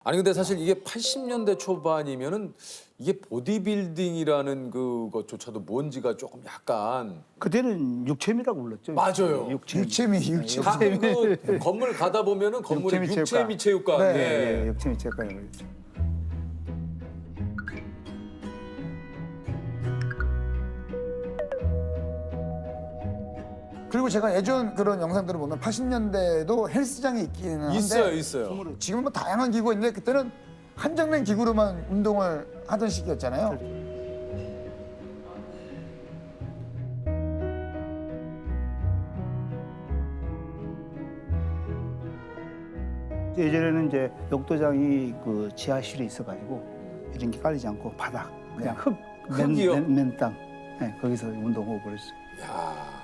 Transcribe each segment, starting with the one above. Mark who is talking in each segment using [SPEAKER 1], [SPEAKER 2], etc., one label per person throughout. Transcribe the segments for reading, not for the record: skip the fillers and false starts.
[SPEAKER 1] 아니 근데 사실 이게 80년대 초반이면은 이게 보디빌딩이라는 그것조차도 뭔지가 조금 약간
[SPEAKER 2] 그때는 육체미라고 불렀죠.
[SPEAKER 1] 맞아요.
[SPEAKER 2] 육체미.
[SPEAKER 1] 가끔 그 건물 가다 보면은 건물에 육체미 체육관.
[SPEAKER 2] 네,
[SPEAKER 1] 예.
[SPEAKER 2] 예, 육체미 체육관이라고 그랬죠.
[SPEAKER 3] 그리고 제가 예전 그런 영상들을 보면 80년대에도 헬스장이 있기는 한데
[SPEAKER 1] 있어요.
[SPEAKER 3] 지금은 뭐 다양한 기구가 있는데 그때는 한정된 기구로만 운동을 하던 시기였잖아요.
[SPEAKER 2] 예전에는 이제 욕도장이 그 지하실에 있어가지고 이런 게 깔리지 않고 바닥 그냥
[SPEAKER 1] 흙이요?
[SPEAKER 2] 맨 땅. 네, 거기서 운동하고 그랬어요.
[SPEAKER 1] 야.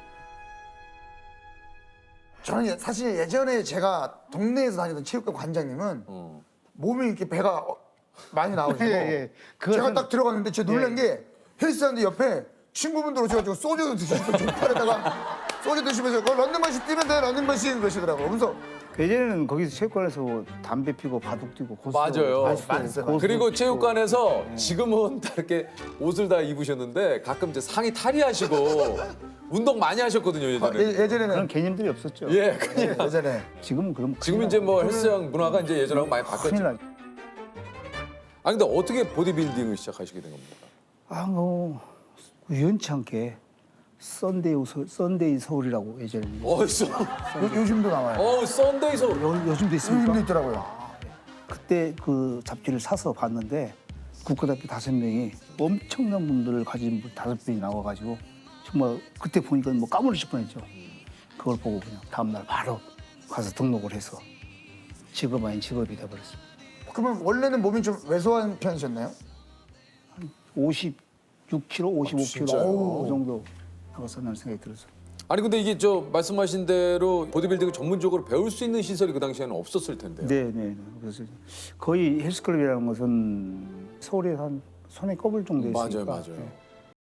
[SPEAKER 3] 저는 사실 예전에 제가 동네에서 다니던 체육관 관장님은
[SPEAKER 1] 어.
[SPEAKER 3] 몸이 이렇게 배가 많이 나오시고
[SPEAKER 2] 예, 예.
[SPEAKER 3] 제가 딱 들어갔는데 제가 놀란 게 헬스하는데 옆에 친구분들 오셔가지고 소주 드시고 족발에다가 소주 드시면서 그 런닝머신 뛰면 돼 런닝머신 그러시더라고요. 그래서
[SPEAKER 2] 예전에는 거기서 체육관에서 담배 피고 바둑 뛰고 고수
[SPEAKER 1] 맞아요.
[SPEAKER 3] 많이 있어요.
[SPEAKER 1] 그리고 체육관에서 지금은 다 이렇게 옷을 다 입으셨는데 가끔 이제 상의 탈의하시고 운동 많이 하셨거든요 예전에.
[SPEAKER 2] 그런
[SPEAKER 3] 예전에는
[SPEAKER 2] 개념들이 없었죠.
[SPEAKER 1] 예, 그냥
[SPEAKER 3] 예전에
[SPEAKER 2] 지금은 그럼
[SPEAKER 1] 지금 이제 뭐 헬스장 문화가 이제 예전하고 많이
[SPEAKER 2] 큰일
[SPEAKER 1] 바뀌었죠.
[SPEAKER 2] 나죠.
[SPEAKER 1] 아니 근데 어떻게 보디빌딩을 시작하시게 된 겁니까?
[SPEAKER 2] 뭐 우연치 않게 썬데이 서울이라고 예전에
[SPEAKER 1] 어디서?
[SPEAKER 3] 요즘도 나와요.
[SPEAKER 1] 썬데이서
[SPEAKER 2] 요즘도 있습니까?
[SPEAKER 3] 요즘도 있더라고요.
[SPEAKER 2] 그때 그 잡지를 사서 봤는데 국가대표 5명이 엄청난 분들을 가진 분 5분이 나와가지고 정말 그때 보니까 뭐 까무러칠 뻔했죠. 그걸 보고 그냥 다음날 바로 가서 등록을 해서 직업 아닌 직업이 돼버렸어요.
[SPEAKER 3] 그러면 원래는 몸이 좀 왜소한 편이셨나요?
[SPEAKER 2] 56kg, 55kg
[SPEAKER 1] 진짜요?
[SPEAKER 2] 그 정도 나갔었다는 생각이 들었어요.
[SPEAKER 1] 아니 근데 이게 저 말씀하신 대로 보디빌딩을 전문적으로 배울 수 있는 시설이 그 당시에는 없었을 텐데요.
[SPEAKER 2] 네. 그래서 거의 헬스클럽이라는 것은 서울에 한 손에 꼽을 정도였으니까.
[SPEAKER 1] 맞아요.
[SPEAKER 2] 네.